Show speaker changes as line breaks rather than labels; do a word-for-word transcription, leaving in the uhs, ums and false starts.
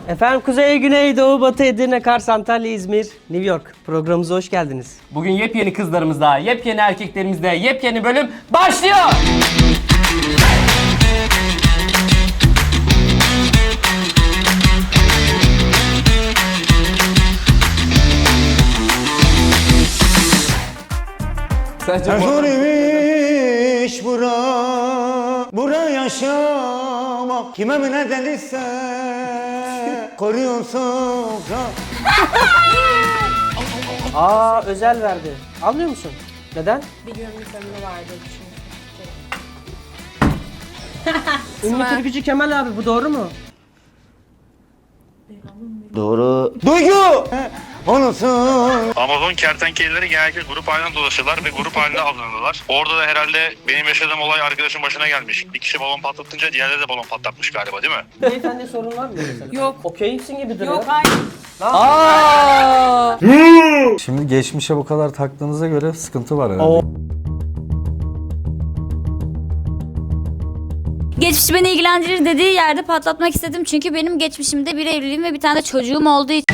Efendim Kuzey, Güney, Doğu, Batı, Edirne, Kars, Antalya, İzmir, New York programımıza hoş geldiniz.
Bugün yepyeni kızlarımızda, yepyeni erkeklerimizde, yepyeni bölüm başlıyor! Sence bu...
Zor imiş bura, bura yaşamak. Kime mi ne dediyse koruyorsun.
Aa, özel verdi. Anlıyor musun? Neden?
Bir günlük ömrü vardı çünkü.
Ünlü türkücü Kemal abi, bu doğru mu?
Doğru. Duygu! Onusun.
Amazon kertenkeleleri genellikle grup halinde dolaşırlar ve grup halinde avlanırlar. Orada da herhalde benim yaşadığım olay arkadaşım başına gelmiş. Bir kişi balon patlatınca diğerleri de balon patlatmış galiba, değil mi?
Beyefendi sorun var mı mesela?
Yok.
Okeysin gibi duruyor.
Yok hayır.
Aa!
Şimdi geçmişe bu kadar taktığınıza göre sıkıntı var herhalde.
Geçmiş beni ilgilendirir dediği yerde patlatmak istedim çünkü benim geçmişimde bir evliliğim ve bir tane de çocuğum olduğu için.